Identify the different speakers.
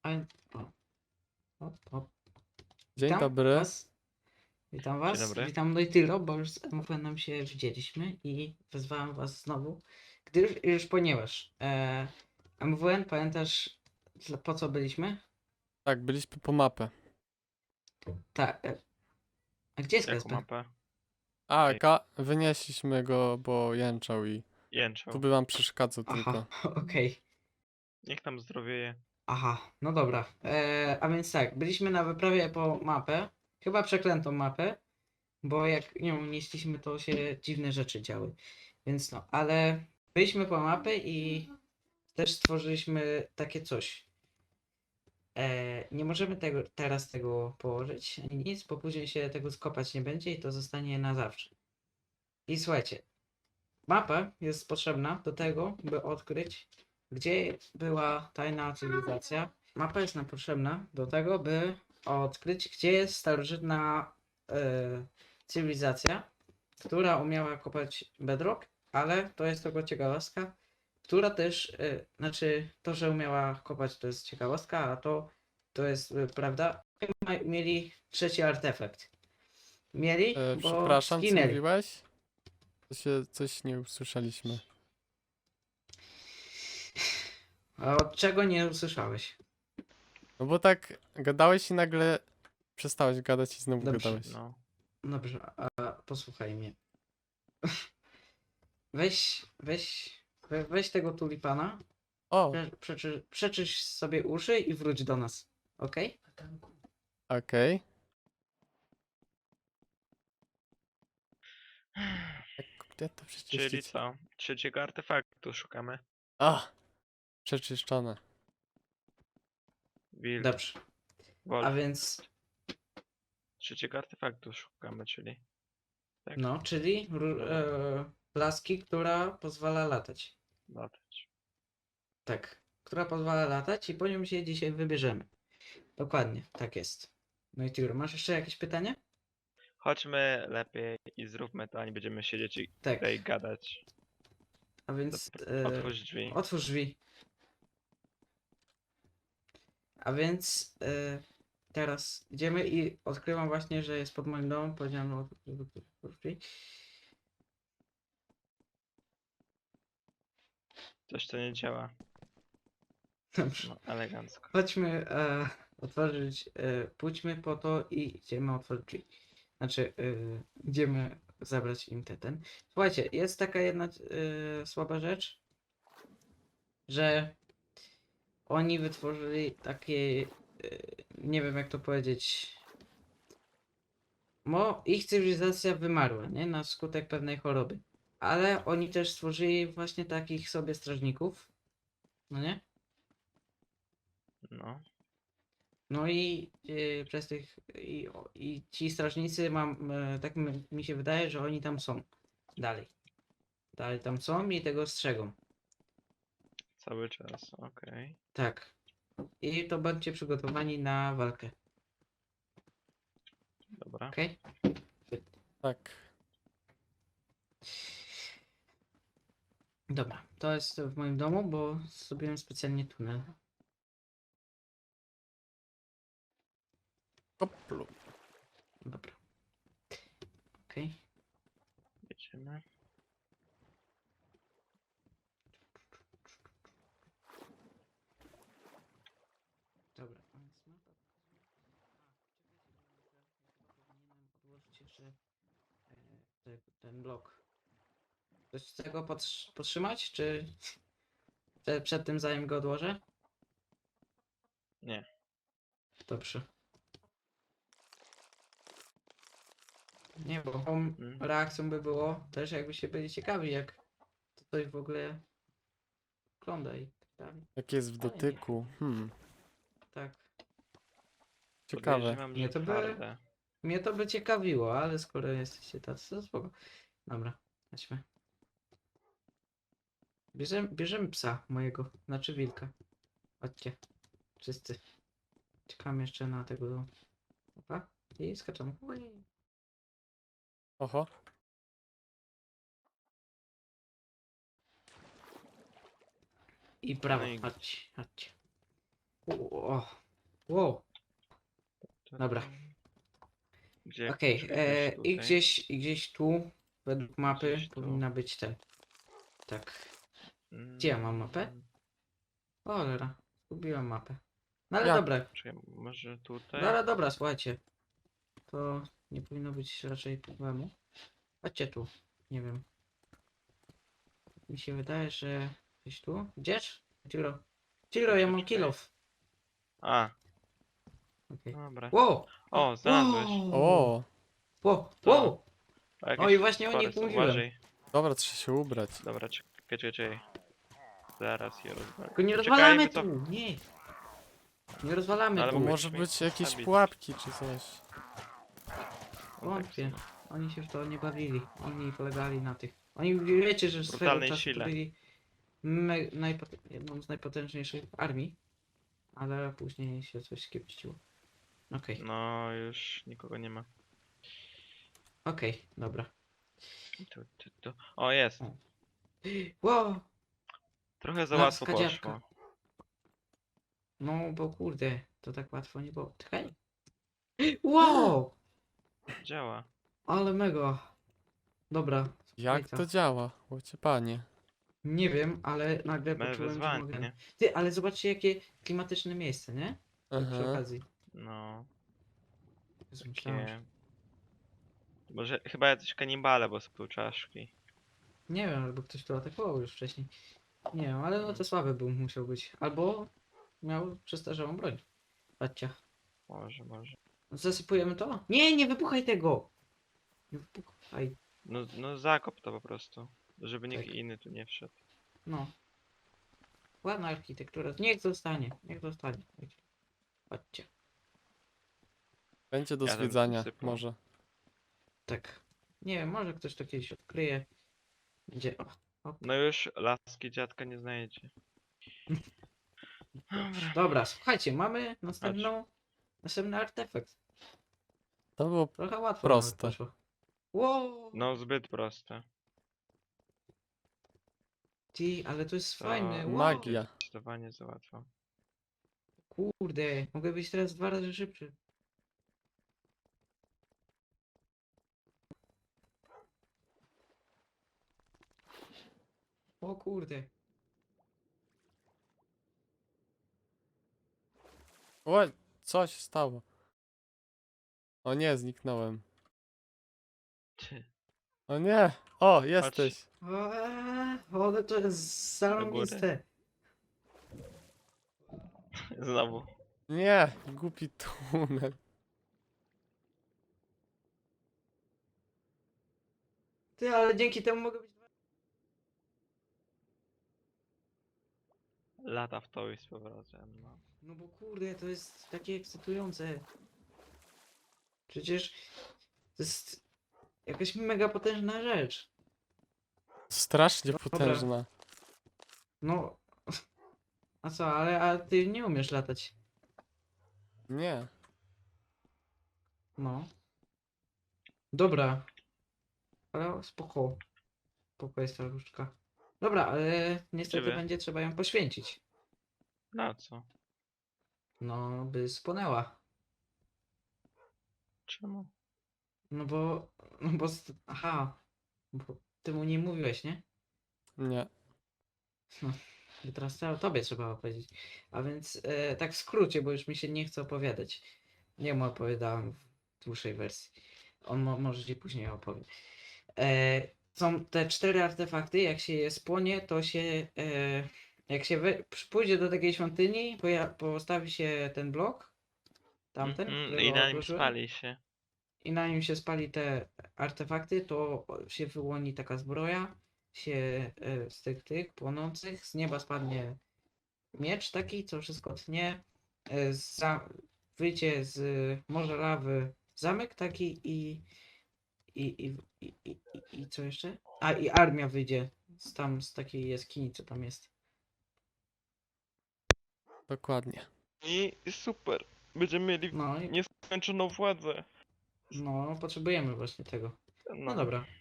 Speaker 1: O, hop, hop.
Speaker 2: Dzień
Speaker 1: Witam
Speaker 2: dobry.
Speaker 1: was. Witam
Speaker 3: Dzień
Speaker 1: was.
Speaker 3: dobry.
Speaker 1: Witam Dojtylo, bo już z MFN-em się widzieliśmy i wezwałem was znowu, gdyż ponieważ MWN, pamiętasz po co byliśmy?
Speaker 2: Tak, byliśmy po mapę.
Speaker 1: Tak. A gdzie jest
Speaker 3: Jaką
Speaker 1: KSP?
Speaker 3: mapę?
Speaker 2: A,
Speaker 3: Ej.
Speaker 2: wynieśliśmy go, bo jęczał i tu
Speaker 3: Jęczał.
Speaker 2: by wam przeszkadzał
Speaker 1: Aha,
Speaker 2: tylko.
Speaker 1: okej.
Speaker 3: Niech tam zdrowieje.
Speaker 1: Aha, no dobra. A więc tak, byliśmy na wyprawie po mapę, chyba przeklętą mapę, bo jak nią nieśliśmy, to się dziwne rzeczy działy. Więc no, ale byliśmy po mapę i też stworzyliśmy takie coś. Nie możemy teraz tego położyć ani nic, bo później się tego skopać nie będzie i to zostanie na zawsze. I słuchajcie, mapa jest potrzebna do tego, by odkryć, gdzie była tajna cywilizacja. Mapa jest nam potrzebna do tego, by odkryć, gdzie jest starożytna cywilizacja, która umiała kopać bedrock, ale to jest tylko ciekawostka, która też, znaczy to, że umiała kopać, to jest ciekawostka, a to jest prawda. Mieli trzeci artefakt. Mieli, bo
Speaker 2: Przepraszam, co
Speaker 1: zginęli.
Speaker 2: mówiłeś? Coś nie usłyszeliśmy.
Speaker 1: A od czego nie usłyszałeś?
Speaker 2: No bo tak gadałeś i nagle przestałeś gadać i znowu
Speaker 1: Dobrze.
Speaker 2: gadałeś.
Speaker 3: No.
Speaker 1: Dobrze, a posłuchaj mnie. Weź tego tulipana,
Speaker 2: O,
Speaker 1: przeczyść sobie uszy i wróć do nas. Okej?
Speaker 2: okej. Gdzie to
Speaker 3: Czyli
Speaker 2: przeczyścić?
Speaker 3: co? Trzeciego artefaktu szukamy.
Speaker 2: A, przeczyszczone.
Speaker 3: Wild.
Speaker 1: Dobrze. A
Speaker 3: Wolf.
Speaker 1: więc,
Speaker 3: Trzeciego artefaktu szukamy, czyli. Tak.
Speaker 1: no, czyli laski, która pozwala latać.
Speaker 3: Latać.
Speaker 1: Tak, która pozwala latać i po nią się dzisiaj wybierzemy. Dokładnie, tak jest. No i Tiur, masz jeszcze jakieś pytanie?
Speaker 3: Chodźmy lepiej i zróbmy to, a nie będziemy siedzieć i
Speaker 1: Tak.
Speaker 3: tutaj gadać.
Speaker 1: A więc
Speaker 3: Otwórz drzwi.
Speaker 1: otwórz drzwi. A więc teraz idziemy i odkrywam właśnie, że jest pod moim domem. Powiedziałem, no, otwórz drzwi.
Speaker 3: Coś to nie działa.
Speaker 1: Dobrze.
Speaker 3: No, elegancko.
Speaker 1: Chodźmy otworzyć, pójdźmy po to i idziemy otworzyć drzwi. Znaczy, idziemy zabrać im ten. Słuchajcie, jest taka jedna słaba rzecz, że oni wytworzyli takie, nie wiem jak to powiedzieć, ich cywilizacja wymarła, nie? Na skutek pewnej choroby. Ale oni też stworzyli właśnie takich sobie strażników, no nie?
Speaker 3: No.
Speaker 1: No i przez tych i ci strażnicy tak mi się wydaje, że oni tam są. Dalej. Dalej tam są i tego strzegą.
Speaker 3: Cały czas. Okej.
Speaker 1: Tak. I to bądźcie przygotowani na walkę.
Speaker 3: Dobra.
Speaker 1: Okej?
Speaker 2: Tak.
Speaker 1: Dobra. To jest w moim domu, bo zrobiłem specjalnie tunel.
Speaker 2: Hoplu.
Speaker 1: Dobra. Okej.
Speaker 3: Jedziemy.
Speaker 1: Dobra. A więc mapa pokazuje. Powinienem odłożyć jeszcze ten blok. Coś z tego podtrzymać, czy przed tym zanim go odłożę?
Speaker 3: Nie.
Speaker 1: Dobrze. Nie, bo tą
Speaker 3: Mm.
Speaker 1: reakcją by było też jakbyście byli ciekawi, jak to coś w ogóle wygląda i tak dalej.
Speaker 2: Jak jest w dotyku.
Speaker 1: Tak.
Speaker 2: Ciekawe.
Speaker 3: Podejrzewam,
Speaker 1: Nie,
Speaker 3: że
Speaker 1: to by-
Speaker 3: twarde.
Speaker 1: Mnie to by ciekawiło, ale skoro jesteście tacy, to spoko. Dobra, chodźmy. Bierzemy psa mojego, znaczy wilka. Chodźcie. Wszyscy. Czekam jeszcze na tego. Dobra. I skaczemy. Ui.
Speaker 2: Oho.
Speaker 1: I prawo.
Speaker 3: No i-
Speaker 1: Chodźcie, chodźcie. O, wow. Dobra.
Speaker 3: Gdzie?
Speaker 1: Okej,
Speaker 3: Gdzieś tutaj.
Speaker 1: i gdzieś tu, według mapy,
Speaker 3: Gdzieś tu.
Speaker 1: powinna być ten. Tak. Gdzie ja mam mapę?
Speaker 3: Mm,
Speaker 1: O, cholera, zgubiłem mapę. No ale
Speaker 2: Jak?
Speaker 1: dobra,
Speaker 3: Czekaj, może tutaj?
Speaker 1: dobra, słuchajcie. To nie powinno być raczej problemu. Chodźcie tu, nie wiem. Mi się wydaje, że gdzieś tu. Gdzież? Ciro. Ciro, ja mam
Speaker 3: Czekaj.
Speaker 1: kill off.
Speaker 3: A,
Speaker 1: Okej.
Speaker 3: dobra.
Speaker 1: Wow!
Speaker 3: O, znalazłeś.
Speaker 2: O,
Speaker 1: Wow!
Speaker 3: To-
Speaker 1: Wow!
Speaker 3: O,
Speaker 1: O, i właśnie o nich
Speaker 3: forest,
Speaker 1: mówiłem.
Speaker 3: uważaj.
Speaker 2: dobra, trzeba się ubrać.
Speaker 3: Dobra, czekaj. Zaraz je rozwalę.
Speaker 1: Tylko nie
Speaker 3: Poczekaj,
Speaker 1: rozwalamy
Speaker 3: wycof-
Speaker 1: tu! Nie! Nie rozwalamy
Speaker 3: Ale
Speaker 2: To
Speaker 1: tu.
Speaker 3: mogę
Speaker 2: może
Speaker 3: się
Speaker 2: być jakieś
Speaker 3: ustawić.
Speaker 2: pułapki czy coś.
Speaker 3: O, tak
Speaker 1: Wątpię.
Speaker 3: samo.
Speaker 1: Oni się w to nie bawili. Oni polegali na tych. Oni wiecie, że swego
Speaker 3: Brutalnej
Speaker 1: czasu to
Speaker 3: sile.
Speaker 1: byli jedną z najpotężniejszych armii. Ale później się coś skiepściło. Okej,
Speaker 3: No, już nikogo nie ma.
Speaker 1: dobra.
Speaker 3: Tu. O, jest.
Speaker 1: Wow!
Speaker 3: Trochę za
Speaker 1: Laska
Speaker 3: łatwo
Speaker 1: dziadka.
Speaker 3: poszło.
Speaker 1: No bo kurde, to tak łatwo nie było. Czekaj. Wow!
Speaker 3: Działa.
Speaker 1: Ale mega. Dobra.
Speaker 2: Jak
Speaker 1: słuchajcie.
Speaker 2: to działa? Łocie panie.
Speaker 1: Nie wiem, ale nagle
Speaker 3: Mamy
Speaker 1: poczułem, że
Speaker 3: wyzwanie,
Speaker 1: mogę.
Speaker 3: nie?
Speaker 1: Ty, ale zobaczcie jakie klimatyczne miejsce, nie? Tak przy
Speaker 2: Aha.
Speaker 1: okazji.
Speaker 3: No,
Speaker 1: Jezu, myślałem, że...
Speaker 3: takie... Może chyba jacyś kanibale, bo są tu czaszki.
Speaker 1: Nie wiem, albo ktoś tu atakował już wcześniej. Nie wiem, ale no to słaby był musiał być. Albo miał przestarzałą broń. Patrzcie.
Speaker 3: Może.
Speaker 1: Zasypujemy to? Nie, nie wypuchaj tego! Nie wypuchaj.
Speaker 3: No zakop to po prostu. Żeby nikt
Speaker 1: Tak.
Speaker 3: inny tu nie wszedł.
Speaker 1: No. Ładna architektura. Niech zostanie. Niech zostanie. Chodźcie.
Speaker 2: Będzie do
Speaker 3: Ja tam
Speaker 2: zwiedzania,
Speaker 3: sypał.
Speaker 2: może.
Speaker 1: Tak. Nie wiem, może ktoś to kiedyś odkryje. Gdzie? O,
Speaker 3: No już laski dziadka nie znajdzie. Dobra.
Speaker 1: dobra, słuchajcie, mamy następny artefakt.
Speaker 2: To było
Speaker 1: Trochę łatwo
Speaker 2: Proste.
Speaker 1: nawet poszło. Wow!
Speaker 3: No zbyt proste.
Speaker 1: Ty, ale to jest
Speaker 3: To
Speaker 1: fajne. Wow!
Speaker 2: magia.
Speaker 3: Zdecydowanie za łatwo.
Speaker 1: Kurde, mogę być teraz 2 razy szybszy. O kurde.
Speaker 2: O, co się stało? O nie, zniknąłem.
Speaker 3: Ty,
Speaker 2: O nie! O, jesteś!
Speaker 1: Ale to jest zarąbiste.
Speaker 3: Znowu.
Speaker 2: Nie! Głupi tunel.
Speaker 1: Ty, ale dzięki temu mogę być...
Speaker 3: Lata w to i z powrotem. No.
Speaker 1: No bo kurde, to jest takie ekscytujące. Przecież to jest jakaś mega potężna rzecz.
Speaker 2: Strasznie
Speaker 1: Dobra.
Speaker 2: potężna.
Speaker 1: No. A co, a ty nie umiesz latać.
Speaker 2: Nie.
Speaker 1: No. Dobra. Ale spoko. Spoko jest ta różdżka. Dobra, ale niestety
Speaker 3: Ciebie?
Speaker 1: będzie trzeba ją poświęcić.
Speaker 3: Na co?
Speaker 1: No, by spłonęła.
Speaker 3: Czemu?
Speaker 1: No bo... Aha. Bo ty mu nie mówiłeś, nie?
Speaker 2: Nie.
Speaker 1: I teraz tobie trzeba opowiedzieć. A więc tak w skrócie, bo już mi się nie chce opowiadać. Nie mu opowiadałem w dłuższej wersji. On może ci później opowie. Są te 4 artefakty, jak się je spłonie, to się jak się pójdzie do takiej świątyni, postawi się ten blok, tamten, którego
Speaker 3: I na nim
Speaker 1: odłożyłem,
Speaker 3: spali się.
Speaker 1: i na nim się spali te artefakty, to się wyłoni taka zbroja, się z tych płonących, z nieba spadnie miecz taki, co wszystko tnie, wyjdzie z morza lawy zamek taki i co jeszcze? A i armia wyjdzie z takiej jaskini, co tam jest.
Speaker 2: Dokładnie.
Speaker 3: I super. Będziemy mieli
Speaker 1: No i
Speaker 3: nieskończoną władzę.
Speaker 1: no, potrzebujemy właśnie tego. No dobra.